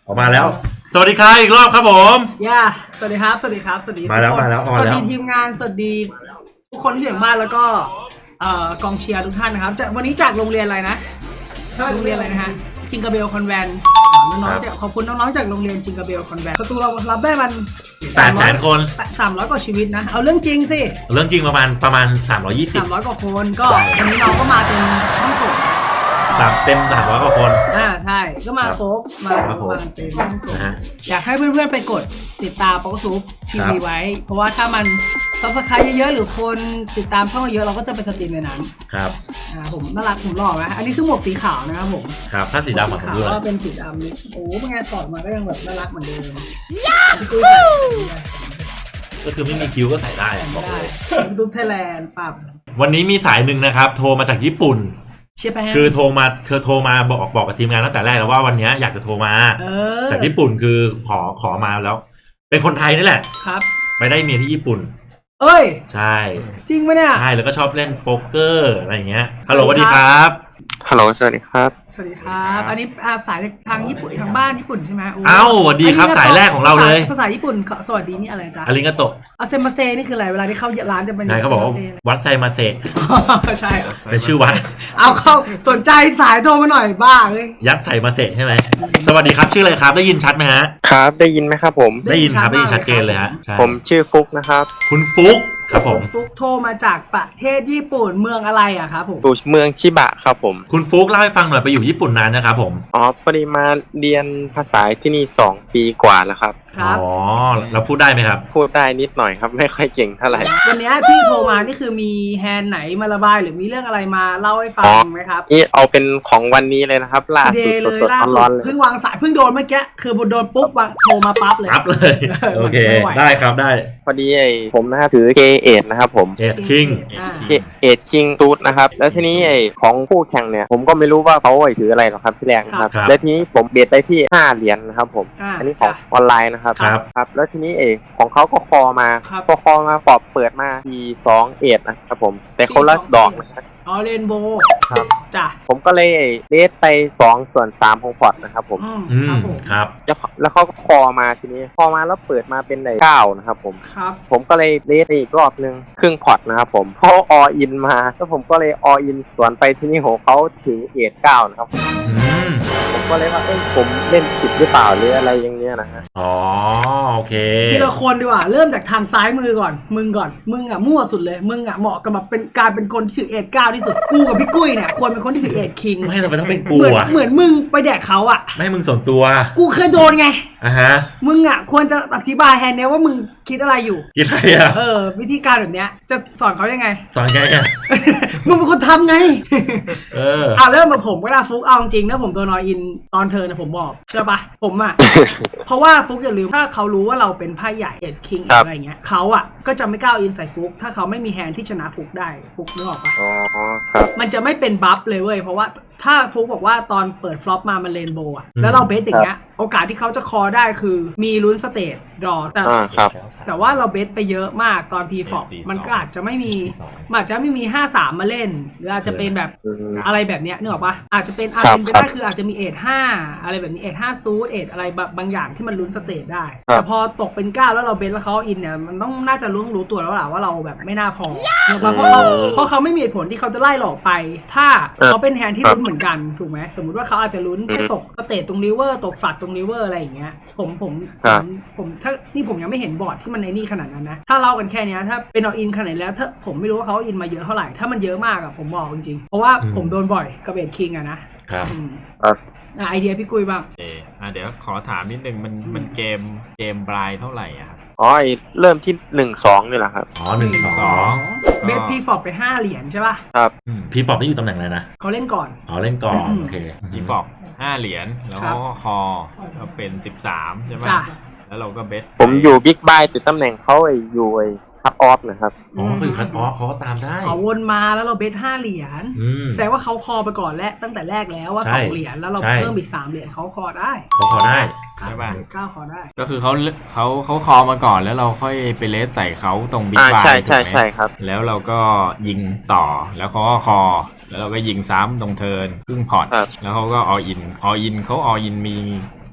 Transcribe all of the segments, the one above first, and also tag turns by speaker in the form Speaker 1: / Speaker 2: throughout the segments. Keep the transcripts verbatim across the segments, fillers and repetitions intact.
Speaker 1: ออกมาแล้วสวัสดีครับอีกรอบครับผม
Speaker 2: ย่าสวัสดีครับสวัสดีครับสวัสดี
Speaker 1: มาแล้วมาแล้ว
Speaker 2: สวัสดีทีมงานสวัสดีทุกคนที่อยู่บ้านแล้วก็กองเชียร์ทุกท่านนะครับวันนี้จากโรงเรียนอะไรนะโรงเรียนอะไรนะฮะจิงกาเบลคอนแวนต์น้องๆขอบคุณน้องๆจากโรงเรียนจิงกาเบลคอนแวนต์ประตูเรารับได้มัน
Speaker 1: แปดแสนคน
Speaker 2: สามร้อยกว่าชีวิตนะเอาเรื่องจริงสิ
Speaker 1: เรื่องจริงประมาณประมาณสามร้อยยี่สิบ
Speaker 2: สามร้อยกว่าคนก็วันนี้น้องก็มาเป็นห้องส่ง
Speaker 1: สามเต็มสามร้อยกว่าคน
Speaker 2: อ่าใช่ก็มาครบมามาเต็มนะฮะอยากให้เพื่อนๆไปกดติดตามป๊อกซุปทีวีไว้เพราะว่าถ้ามันซับสไครต์เยอะๆหรือคนติดตามช่องเยอะเราก็จะไปสตรีมในนั้น
Speaker 1: ครับ
Speaker 2: อ่าผมน่ารักผมหล่อไหมอันนี้คือหมวกสีขาวนะครับผม
Speaker 1: ครับถ้าสีดำของผมด้วย
Speaker 2: ก็เป็นสีดำนี่โอ้เป็นไงสอดมาก็ยังแบบน่ารักเหมือนเดิม
Speaker 1: ก็คือไม่มีคิ้วก็ใส่ได้บอกเลย
Speaker 2: ดูไทยแลนด์ปั๊บ
Speaker 1: วันนี้มีสายหนึ่งนะครับโทรมาจากญี่ปุ่นคือโทรมาคือโทรมาบอกบอกกับทีมงานตั้งแต่แรกแล้วว่าวันนี้อยากจะโทรมาจากญี่ปุ่นคือขอขอมาแล้วเป็นคนไทยนี่แหละ
Speaker 2: ครับ
Speaker 1: ไปได้เมียที่ญี่ปุ่น
Speaker 2: เอ้ย
Speaker 1: ใช่
Speaker 2: จริงไหมเนี่ย
Speaker 1: ใช่แล้วก็ชอบเล่นโป๊กเกอร์อะไรอย่างเงี้ยฮัลโหลสวัสดีครับ
Speaker 3: ฮัลโหลสวัสดีครับ
Speaker 2: สวัสดีครับอันนี้สายทางญี่ปุ่นทางบ้านญี่ปุ่นใช่ไหม
Speaker 1: อ้าวสวัสดีครับสายแรกของเราเลย
Speaker 2: ภาษาญี่ปุ่นสวัสดีนี่อะไรจ๊ะ
Speaker 1: อาริงกาโตะ
Speaker 2: อาเซมาเซนี่คืออะไรเวลาที่เข้าร้านจะเป็น
Speaker 1: ใช่เขาบอกว่าวัดไซมาเซ
Speaker 2: ใช่
Speaker 1: เป็นชื่อวัด
Speaker 2: เอาเข้าสนใจสายโทรมาหน่อยบ้าเลย
Speaker 1: ยัดไซมาเซใช่ไหมสวัสดีครับชื่ออะไรครับได้ยินชัดไหมฮะ
Speaker 3: ครับได้ยินไหมครับผม
Speaker 1: ได้ยินครับได้ยินชัดเจนเลยฮะ
Speaker 3: ผมชื่อฟุกนะครับ
Speaker 1: คุณฟุกครับผม
Speaker 2: ฟุกโทรมาจากประเทศญี่ปุ่นเมืองอะไรอะครับผม
Speaker 3: เมืองชิบะครับผม
Speaker 1: คุณฟุกเล่าให้ฟังหน่อยไปอยู่ญี่ปุ่นนานนะครับผม
Speaker 3: อ๋อพอดีมาเรียนภาษาที่นี่สองปีกว่าแล้วครับ
Speaker 2: ครับ
Speaker 1: อ๋อเราพูดได้ไหมครับ
Speaker 3: พูดได้นิดหน่อยครับไม่ค่อยเก่งเท่าไหร่
Speaker 2: วันนี้ที่โทรมานี่คือมีแฮนด์ไหนมาระบายหรือมีเรื่องอะไรมาเล่าให้ฟังไหมครับ
Speaker 3: นี่เอาเป็นของวันนี้เลยนะครับล่าสุด
Speaker 2: สดๆร้อนๆเลยเพิ่งวางสายเพิ่งโดนเมื่อกี้คือโดนปุ๊บวางโทรมาปั๊บเลย
Speaker 1: ปั๊บเลยโอเคได้ครับได้
Speaker 3: พอดีไอ้ผมนะครับถือเกเอทนะครับผม
Speaker 1: เอสคิง
Speaker 3: เอทคิงตูดนะครับแล้วทีนี้ไอ้ของคู่แข่งเนี่ยผมก็ไม่รู้ว่าเขาไอ้ถืออะไรหรอกครับที่แรกนะครับแล้วทีนี้ผมเบียดไปที่ห้าเหรียญนะครับผมอันนี้ของออนไลน์นะครับครับแล้วทีนี้เอกของเขาก็คอมาพอคอมาฟอบเปิดมาทีสองเอ็ดนะครับผมแต่คนละดอกนะครับ
Speaker 2: อ๋อเรนโบว์
Speaker 3: ครับ
Speaker 2: จ้ะ
Speaker 3: ผมก็เลยเลสไปสองส่วนสามของพอร์ตนะครับผม
Speaker 1: อืมครับ
Speaker 3: แล้วแล้วเขาก็คอมาทีนี้คอมาแล้วเปิดมาเป็นไหนเก้านะครับผม
Speaker 2: ครับ
Speaker 3: ผมก็เลยเลสอีกรอบนึงครึ่งพอร์ตนะครับผมเขาออินมาแล้วผมก็เลยออินสวนไปที่นี่ของเขาถึงเอ็ดเก้านะครับผมก็เลยว่าเอ้ยผมเล่นผิดหรือเปล่าหรืออะไรอย่างเงี้ยนะฮะ
Speaker 1: อ๋อโอเค
Speaker 2: ทีละคนดีกว่าเริ่มจากทางซ้ายมือก่อนมึงก่อนมึงอ่ะมั่วสุดเลยมึงอ่ะเหมาะกับแบบเป็นการเป็นคนที่ถือเอ็ดเก้าที่สุดกูกับพี่กุ้ยเนี่ยควรเป็นคนที่ถือเอ็ดคิง
Speaker 1: ไม่ทำไมต้องเป็นกู
Speaker 2: อ่ะเหมือนมึงไปแดกเขาอ่ะ
Speaker 1: ไม่มึงส่วนตัว
Speaker 2: กูเคยโดนไง
Speaker 1: อ่ะฮะ
Speaker 2: มึงอ่ะควรจะอธิบายแฮนเนี้ยว่ามึงคิดอะไรอยู่
Speaker 1: คิดอะไรอ่ะ
Speaker 2: เออวิธีการแบบเนี้ยจะสอนเขายังไง
Speaker 1: สอนไงอ่ะ
Speaker 2: มึงเป็นคนทำไง
Speaker 1: เออ
Speaker 2: อ่ะเริ่มมาผมก็ได้ฟุกเอาจริงนะผมโดนนอยอินตอนเธอนะผมบอกเชื่อปะผมอ่ะเพราะว่าฟุกอย่าลืมถ้าเขารู้ว่าเราเป็นไพ่ใหญ่เอสคิงอะไรเงี้ยเขาอ่ะก็จะไม่กล้าอินใส่ฟุกถ้าเขาไม่มีแฮนที่ชนะฟุกได้ฟุกนึกออกปะ
Speaker 3: อ๋อครับ
Speaker 2: มันจะไม่เป็นบัฟเลยเว้ยเพราะว่าถ้าฟุกบอกว่าตอนเปิดฟลอปมามันเรนโบว์อ่ะแล้วเราเบสอย่างเงี้ยโอกาสที่เขาจะคอได้คือมีลุ้นสเตจรอแต่แต่ว่าเราเบสไปเยอะมากตอนพีฟอปมันก็อาจจะไม่มีอาจจะไม่มีห้าสามมาเล่นหรืออาจจะเป็นแบบอะไรแบบเนี้ยนึกออกปะอาจจะเป็นอาจจะเป็นไปได้คืออาจจะมีเอทห้าอะไรแบบนี้เอทห้าซูดเอทอะไรบางอย่างที่มันลุ้นสเตจได้แต่พอตกเป็นเก้าแล้วเราเบสแล้วเขาอินเนี่ยมันต้องน่าจะรู้รู้ตัวแล้วแหละว่าเราแบบไม่น่าพอเพราะเขาเพราะเขาไม่มีเหตุผลที่เขาจะไล่หลอกไปถ้าเขาเป็นแฮนที่ลุ้นเหมือนกันถูกไหมสมมุติว่าเขาอาจจะลุ้นแค่ตกสเตจตรงริเวอร์ตกฝักตรงริเวอร์อะไรอย่างเงี้ยผมผมผมผมถ้านี่ผมยังไม่เห็นบอร์ดที่มันในนี่ขนาดนั้นนะถ้าเล่ากันแค่นี้ถ้าเป็นเอาอินขนาดแล้วถ้าผมไม่รู้ว่าเขาอินมาเยอะเท่าไหร่ถ้ามันเยอะมากอะผมบอกจริงๆเพราะว่าผมโดนบ่อยกับเบดคิงอะนะครับไอเดียพี่กุ้ยบ้าง
Speaker 4: เออเดี๋ยวขอถามนิดนึงมันมันเกมเกมบรายเท่าไหร่อะครับ
Speaker 3: อ๋อเริ่มที่หนึ่งสองนี่แหละครับ
Speaker 1: อ๋อหนึ่งสอง
Speaker 2: เบสพีฟอปไปห้าเหรียญใช่ป่ะ
Speaker 3: ครับ
Speaker 1: พีฟอปนี่อยู่ตำแหน่งอะไรนะ
Speaker 2: เขาเล่นก่อน
Speaker 1: อ๋อเล่นก่อนโอเค
Speaker 4: พีฟอปห้าเหรียญแล้วก็คอก็เป็นสิบสามใช่ไหมแล้วเราก็เบส
Speaker 3: ผมอยู่บิ๊กบายติดตำแหน่งเขาไอ้อยู่ไอ้คัตออฟนะครับ
Speaker 1: อ๋อคือคัตออฟเขาก็ตามได้
Speaker 2: เขาวนมาแล้วเราเบสห้าเหรียญแสดงว่าเขาคอไปก่อนแล้วตั้งแต่แรกแล้วว่าสองเหรียญแล้วเราเพิ่มอีกสามเหรียญเขาคอได้
Speaker 1: เขาคอได้
Speaker 4: ใช่ป่ะ
Speaker 2: เก้าคอได้
Speaker 4: ก็คือเขาเขาเขาคอมาก่อนแล้วเราค่อยไปเลสใส่เขาตรงบิ๊กบาย
Speaker 3: ใช่ใช่ใช่ครับ
Speaker 4: แล้วเราก็ยิงต่อแล้วเขาก็คอแล้วเราก็ยิงซ้ำตรงเทิร์นครึ่งพอร์ตแล้วเขาก็ออินออินเขาออินมี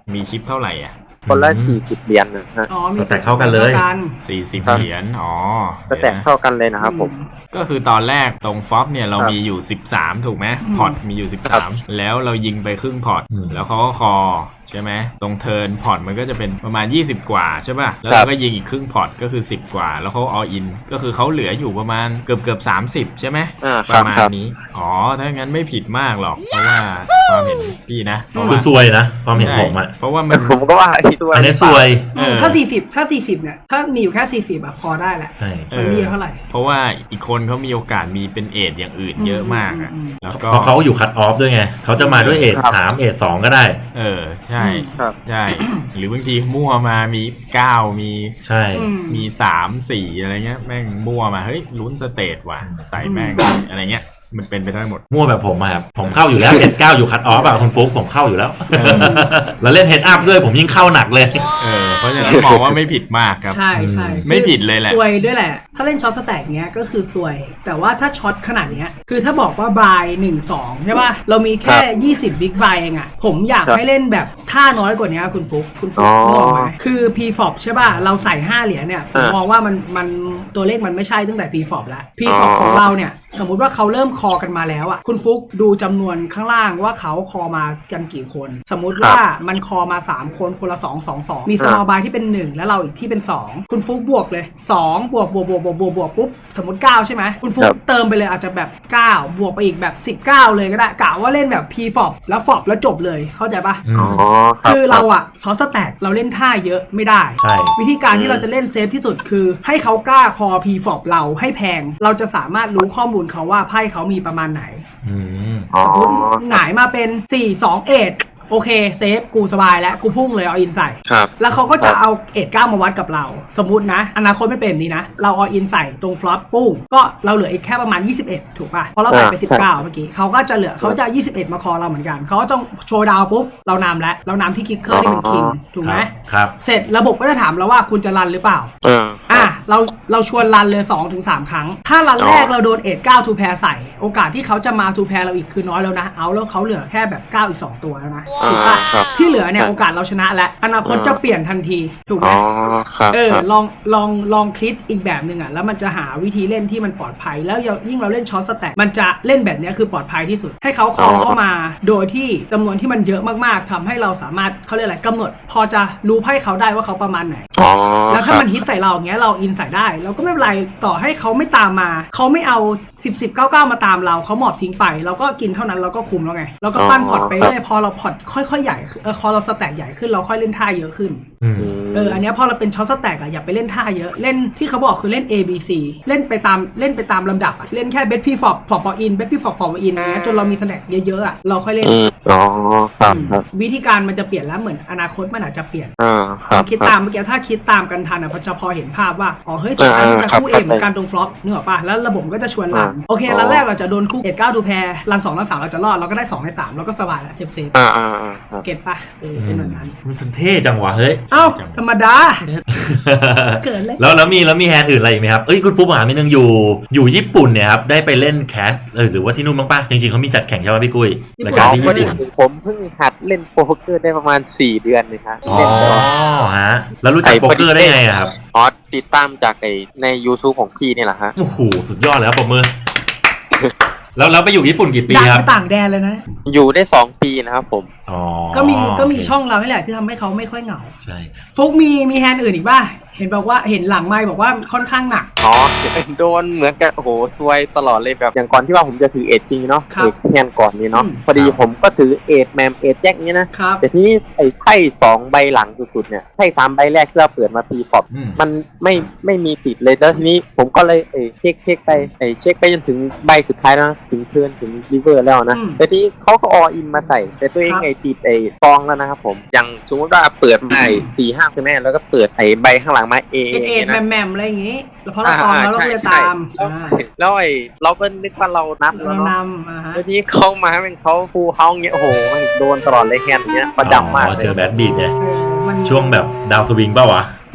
Speaker 4: มีชิปเท่าไหร่อ่ะ
Speaker 3: คนละสี่สิบเหรียญนะฮะ
Speaker 2: อ๋อมี
Speaker 1: สแต็กเข้ากันเลย
Speaker 4: สี่สิบเหรียญอ๋อ
Speaker 3: สแต็กเข้ากันเลยนะครับผม
Speaker 4: ก็คือตอนแรกตรงฟอปเนี่ยเรามีอยู่สิบสามถูกไหมพอร์ตมีอยู่สิบสามแล้วเรายิงไปครึ่งพอร์ตแล้วเขาก็คอใช่ไหมตรงเทิร์นพอร์ตมันก็จะเป็นประมาณยี่สิบกว่าใช่ป่ะแล้วเราก็ยิงอีกครึ่งพอร์ตก็คือสิบกว่าแล้วเขาออินก็คือเขาเหลืออยู่ประมาณเกือบเกือบสามสิบใช่ไหมประมาณนี้อ๋อถ้างั้นไม่ผิดมากหรอกเพราะว่าความเห็นพี่นะ
Speaker 1: คือซวยนะความเห็นผมอะ
Speaker 4: เพราะว่ามัน
Speaker 3: ผมก็ว่า
Speaker 1: อันนี้ซวย
Speaker 2: ถ้าสี่สิบถ้าสี่สิบเนี่ยถ้ามีอยู่แค่สี่สิบแบบพอได้แหละมันมีเท่าไหร่
Speaker 4: เพราะว่าอีกคนเขามีโอกาสมีเป็นเอทอย่างอื่นเยอะมากอ่ะ
Speaker 1: แล้วก็เพราะเขาอยู่คัตออฟด้วยไงเขาจะมาด้วยเอทสามเอทสองก็ได้
Speaker 4: เออใช่ใช่หรือบางทีมั่วมามีเก้ามี
Speaker 1: ใช่
Speaker 4: มีสามสี่อะไรเงี้ยแม่งมั่วมาเฮ้ยลุ้นสเตทว่ะใส่แม่งอะไรเงี้ยมันเป็นไปได้หมด
Speaker 1: มั่วแบบผมครับผมเข้าอยู่แล้วเอทเก้าอยู่คัตออฟอะคุณฟุ๊กผมเข้าอยู่แล้วแล้วเล่นเฮดอัพด้วยผมยิ่งเข้าหนักเลย
Speaker 4: เออเพราะฉะนั้นมองว่าไม่ผิดมากครับ
Speaker 2: ใช่ใช่
Speaker 4: ไม่ผิดเลยแหละ
Speaker 2: ซวยด้วยแหละถ้าเล่นช็อตสแต็กเนี้ยก็คือซวยแต่ว่าถ้าช็อตขนาดเนี้ยคือถ้าบอกว่าบายหนึ่งสองใช่ป่ะเรามีแค่ยี่สิบบิ๊กบายเองอะผมอยากให้เล่นแบบท่าน้อยกว่านี้คุณฟุ๊กคุณฟุ๊กมองไหมคือ พี เอฟ โอ พี ใช่ป่ะเราใส่ห้าเหรียญเนี่ยผมมองว่ามันมันตัวเลขมันไม่ใช่ตั้งแต่ พี เอฟ โอ พี แล้ว พี เอฟ โอ พี ของเราเนี่ยสมมุติว่าเขาเริ่มคอกันมาแล้วอ่ะคุณฟุ๊กดูจำนวนข้างล่างว่าเขาคอมากันกี่คนสมมุติว่ามันคอมาสามคนคนละสอง สอง สองมี small buy ที่เป็นหนึ่งแล้วเราอีกที่เป็นสองคุณฟุ๊กบวกเลยสองบวกบวกบวกบวกบวกบวกปุ๊บสมมติเก้าใช่ไหมคุณฟุ๊กเติมไปเลยอาจจะแบบเก้าบวกไปอีกแบบสิบเก้าเลยก็ได้กะว่าเล่นแบบ พี เอฟ โอ พี แล้ว ฟอ พี แล้วจบเลยเข้าใจปะ
Speaker 3: อ๋อ
Speaker 2: คือเราอ่ะซอสแต็กเราเล่นท่าเยอะไม่ได้วิธีการที่เราจะเล่นเซฟที่สุดคือให้เขากล้าคอ พี เอฟ โอ พี เราให้แพงเราจะสามารถรู้ข้อมูลเขาว่าไพ่เขามีประมาณไหนสมมติหงายมาเป็นสี่ สอง เอ็ดโอเคเซฟกูสบายแล้วกูพุ่งเลยเอาอินใส่แล้วเขาก็จะเอาเอ็ดเก้ามาวัดกับเราสมมุตินะอนาคตไม่เป็นนี้นะเราเอาอินใส่ตรงฟลอปปุ้งก็เราเหลืออีกแค่ประมาณยี่สิบเอ็ดถูกป่ะเพราะเราใส่ไปสิบเก้าเมื่อกี้เขาก็จะเหลือเขาจะยี่สิบเอ็ดมาคอเราเหมือนกันเขาต้องโชว์ดาวปุ๊บเรานำแล้วเรานำที่คิกเคอร์ที่เป็นคิงถูกไหม
Speaker 1: ครับ
Speaker 2: เสร็จระบบก็จะถามเราว่าคุณจะรันหรือเปล่าอ่ะเราเราชวนรันเลย สองถึงสาม ครั้งถ้ารันแรกเราโดนเอ็ดเก้าทูแพร์ใส่โอกาสที่เขาจะมาทูแพร์เราอีกคือน้อยแล้วนะเอาแล้วเขาเหลือแค่แบบเก้าอีกสองตัวแล้วนะถูกป่ะที่เหลือเนี่ยโอกาสเราชนะและอนาคตจะเปลี่ยนทันทีถูกไหมเออลองลองลองคิดอีกแบบหนึ่งอ่ะแล้วมันจะหาวิธีเล่นที่มันปลอดภัยแล้วยิ่งเราเล่นช็อตสแต็กมันจะเล่นแบบนี้คือปลอดภัยที่สุดให้เขาคอเข้ามาโดยที่จำนวนที่มันเยอะมากๆทำให้เราสามารถเขาเรียกอะไรกำหนดพอจะรู้ไพ่เขาได้ว่าเขาประมาณไหนแล้วถ้ามันฮิตใส่เราอย่างเงี้ยเราอินใส่ได้เราก็ไม่เป็นไรต่อให้เขาไม่ตามมาเขาไม่เอาสิบ สิบ เก้า เก้ามาตามเราเขาหมอบทิ้งไปเราก็กินเท่านั้นเราก็คุมแล้วไงเราก็ปั้นพอร์ตไปเรื่อยพอเราพอร์ตค่อยๆใหญ่เออพอเราสแต็กใหญ่ขึ้นเราค่อยเล่นท่าเยอะขึ้นเอออันนี้พอเราเป็นช็อตสแต็กอะอย่าไปเล่นท่าเยอะเล่นที่เขาบอกคือเล่น A B C เล่นไปตามเล่นไปตามลำดับอะเล่นแค่เบสพี่ฟอปฟอปอินเบสพี่ฟอปฟอปอินอย่างเงี้ยจนเรามีสแต็กเยอะๆอะเราค่อยเล่น
Speaker 3: อ๋อครับ
Speaker 2: วิธีการมันจะเปลี่ยนแล้วเหมือนอนาคตมันอาจจะเปลี่ยน
Speaker 3: อ่าครับ
Speaker 2: คิดตามเมื่อกี้ถ้าคิดตามกันทันอะพอจะพอเห็นภาพว่าอ๋อเฮ้ยสุดท้ายมันจะคู่เอเหมือนกันตรงฟลอปนึกออกป่ะแล้วระบบก็จะชวนรันโอเครันแรกเราจะโดนคู่เอ็ดเก้าดูแพร์รันสองรันสามเราจะรอดเราก็ได้สองในสามเราก็สบายแล้วเซฟเซฟ
Speaker 3: อ่าอ่า
Speaker 2: เก็ตป่ะเออเป็นแบบนั้น
Speaker 1: มันเท่จังวะเฮ้ย
Speaker 2: เอ้าธรรมดาเกิดเลย
Speaker 1: แล้วแล้วมีแล้วมีแฮนด์อื่นอะไรอีกไหมครับเอ้ยคุณฟุ๊กหาไม่นึงอยู่อยู่ญี่ปุ่นเนี่ยครับได้ไปเล่นแคสหรือว่าที่นู่นบ้างป่ะจริงๆเขามีจัดแข่งใช่ป่ะพี่กุ้ยรายการที่ญี่ปุ่น
Speaker 3: ผมเพิ่งหัดเล่นโป๊กเกอร์ได้ประมาณสี่เดือนเลยครับ
Speaker 1: อ๋อฮะแล้วรู้จักโป๊กเกอร์ได้ไงครับ
Speaker 3: อ๋อติดตามจากในใน YouTube ของพี่นี่แหละฮะ
Speaker 1: โอ้โหสุดยอดเลยครับปรบมือแล้วแล้วไปอยู่ญี่ปุ่นกี่ปีครับ
Speaker 2: ต่างแดนเลยนะ
Speaker 3: อยู่ได้สองปีนะครับผม
Speaker 1: อ๋อ
Speaker 2: ก็มีก็มีช่องเรานี่แหละที่ทำให้เขาไม่ค่อยเหงา
Speaker 1: ใช่
Speaker 2: ฟุกมีมีแฮนด์อื่นอีกป่ะเห็นบอกว่าเห็นหลังไมค์บอกว่าค่อนข้างหนัก
Speaker 3: อ๋อโดนเหมือนกันโอ้โหซวยตลอดเลยแบบอย่างก่อนที่ว่าผมจะถือเอทจริงเนาะเอทแฮนด์ก่อนนี้เนาะพอดีผมก็ถือเอทแมมเอทแจ็คนี้นะแต่ที่ไอ้ไพ่สองใบหลังสุดๆเนี่ยไพ่สามใบแรกที่เราเปิดมาปีปอบมันไม่ไม่มีติดเลยแล้วทีนี้ผมก็เลยเอเช็คเช็คไปไอเช็คไปจนถึงใบสุดท้ายนะถึงเทิร์นถึงริเวอร์แล้วนะแต่ที่เขาก็ออินมาใส่แต่ตัวเองไอติดไอฟองแล้วนะครับผมอย่างสมมติว่าเปิดมาสี่ห้าใช่ไหมแล้วก็เปิดไอใบข้างหลังมาเอ
Speaker 2: เอ็ดแมมๆอะไรอย่างงี้แล้วพอเราตอนเราเราเลยตาม
Speaker 3: แล้วไอเราก็นึกว่าเรานับ
Speaker 2: แล้วเนาะ
Speaker 3: แล้วที่เขามาเป็นเขาฟูเฮาเงี้ยโอ้โหโดนตลอดเลยแฮนด์เงี้ยประจำมาก
Speaker 1: เจอแบดบีดเนี่ยช่วงแบบดาวสวิงเปล่าวะ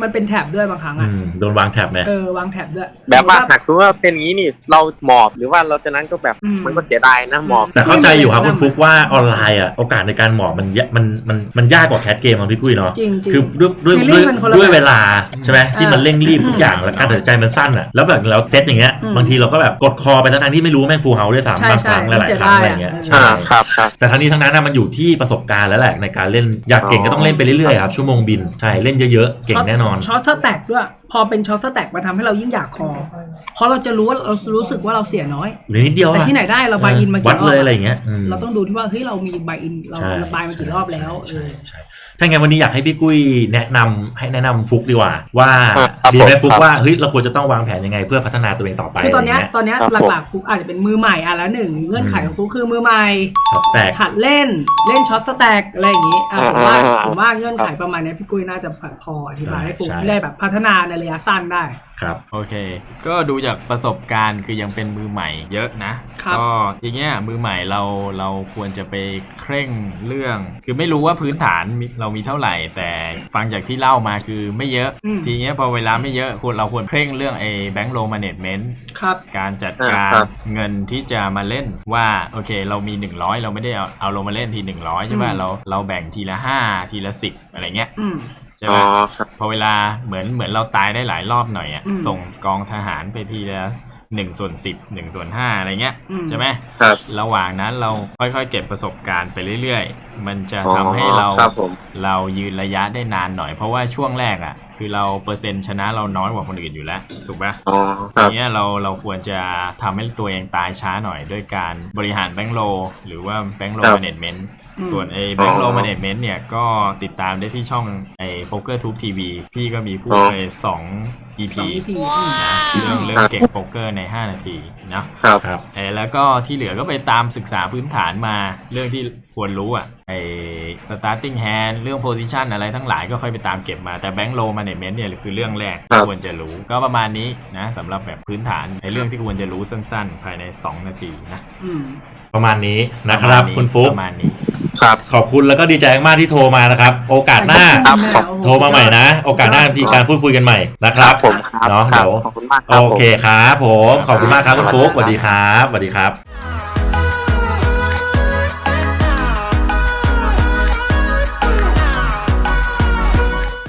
Speaker 2: มันเป็นแท็บด้วยบางครั้งอ่ะ
Speaker 1: โดนวางแท็บไหม
Speaker 2: เออวางแท็บด้วย
Speaker 3: แบบว่าหากคือว่าเป็นอย่างนี้นี่เราหมอบหรือว่าเราจะนั้นก็แบบมันก็เสียดายนะหมอบ
Speaker 1: แต่เข้าใจอยู่ครับคุณฟุกว่าออนไลน์อ่ะโอกาสในการหมอบมันมันมันมันยากกว่าแคสเกมของพี่กุ้ยเนาะคือด้วยด้วยด้วยเวลาใช่ไหมที่มันเร่งรีบทุกอย่างแล้วการตัดสินใจมันสั้นอ่ะแล้วแบบเราเซตอย่างเงี้ยบางทีเราก็แบบกดคอไปทั้งที่ไม่รู้แม่งฟูลเฮาส์ด้วยซ้ำบางครั้งหลายๆครั้งอะไรเงี้ย
Speaker 3: ใช่ครับ
Speaker 1: แต่ทั้งนี้ทั้งนั้นมันอยู่ที่ประสบการณ์แล้วแหละในการเล่นอยากเก่งก็ต้องเล่นไปเรื่อยๆครับชั่วโมงบินใช่เล่นเยอะๆเก่งแน่นอน
Speaker 2: ช็อตสแต็กด้วยพอเป็นช็อตสแต็กมาทำให้เรายิ่งอยากคอเพราะเราจะรู้ว่าเรารู้สึกว่าเราเสียน้อย
Speaker 1: หรือนิดเดียว
Speaker 2: แต่ที่ไหนได้เราบายอินมากี่รอบ
Speaker 1: เลยอะไรเงี้ย
Speaker 2: เราต้องดูที่ว่าเฮ้ยเรามีบายอินเราบายมากี่รอบแล้ว
Speaker 1: ใช่ใช่ใช่ไงวันนี้อยากให้พี่กุ้ยแนะนำให้แนะนำฟุกดีกว่าว่าดีไหมฟุกว่าเฮ้ยเราควรจะต้องวางแผนยังไงเพื่อพัฒนาตัวเองต่อไป
Speaker 2: คือตอนนี้ตอนนี้หลักๆฟุกอาจจะเป็นมือใหม่อ่ะแล้วหนึ่งเงื่อนไขของฟุกคือมือใหม่หัดเล่นเล่นช็อตสแต็กอะไรอย่างนี้ผมว่าผมว่าเงื่อนไขประมาณนี้พี่กุ้ยน่าจะพออธิบายให้ฟุกได้แบบพัฒนาในระยะสั้นได้
Speaker 1: ครับ
Speaker 4: โอเคก็ดูจากประสบการณ์คือยังเป็นมือใหม่เยอะนะก็อย่างเงี้ยมือใหม่เราเราควรจะไปเคร่งเรื่องคือไม่รู้ว่าพื้นฐานเรามีเท่าไหร่แต่ฟังจากที่เล่ามาคือไม่เยอะทีเงี้ยพอเวลาไม่เยอะควรเราควรเคร่งเรื่องไอ้แบงก์โลแมเนจเมนต์การจัดการเงินที่จะมาเล่นว่าโอเคเรามีหนึ่งร้อยเราไม่ได้เอาเอาลงมาเล่นทีหนึ่งร้อยใช่ป่ะเราเราแบ่งทีละห้าทีละสิบอะไรเงี้ยใช่ไหมพอเวลาเหมือนเหมือนเราตายได้หลายรอบหน่อยอ่ะส่งกองทหารไปทีละหนึ่งส่วนสิบหนึ่งส่วนห้าอะไรเงี้ยใช่ไหม
Speaker 3: ครับ
Speaker 4: ระหว่างนั้นเราค่อยๆเก็บประสบการณ์ไปเรื่อยๆมันจะทำให้เราเรายืนระยะได้นานหน่อยเพราะว่าช่วงแรกอ่ะคือเราเปอร์เซ็นต์ชนะเราน้อยกว่าคนอื่นอยู่แล้วถูกป่ะทีนี้เราเราควรจะทำให้ตัวเองตายช้าหน่อยด้วยการบริหารแบงก์โลหรือว่าแบงก์โลแมเนจเมนต์ส่วนไอ้แบงก์โลแมเนจเมนต์เนี่ยก็ติดตามได้ที่ช่องไอ้ PokerTube ที วี พี่ก็มีพูดไปสอง อี พี นะเรื่องเรื่องเก่งโป๊กเกอร์ในห้านาทีนะครับไอ้แล้วก็ที่เหลือก็ไปตามศึกษาพื้นฐานมาเรื่องที่ควรรู้อ่ะไอ้ starting hand เรื่อง position อะไรทั้งหลายก็ค่อยไปตามเก็บมาแต่ bank low management เนี่ยคือเรื่องแรกที่ควรจะรู้ก็ประมาณนี้นะสำหรับแบบพื้นฐานในเรื่องที่ควรจะรู้สั้นๆภายในสองนาทีนะ
Speaker 1: ประมาณนี้นะครับคุณฟุ๊ก
Speaker 4: ประมาณนี้
Speaker 3: ครับ
Speaker 1: ขอบคุณแล้วก็ดีใจมากที่โทรมานะครับโอกาสหน้าโทรมาใหม่นะโอกาสหน้ามีการพูดคุยกันใหม่นะครับ
Speaker 3: ผม
Speaker 1: เนาะเดี๋ยวโอเคครับผมขอบคุณมากครับคุณฟุ๊กสวัสดีครับสวัสดีครับ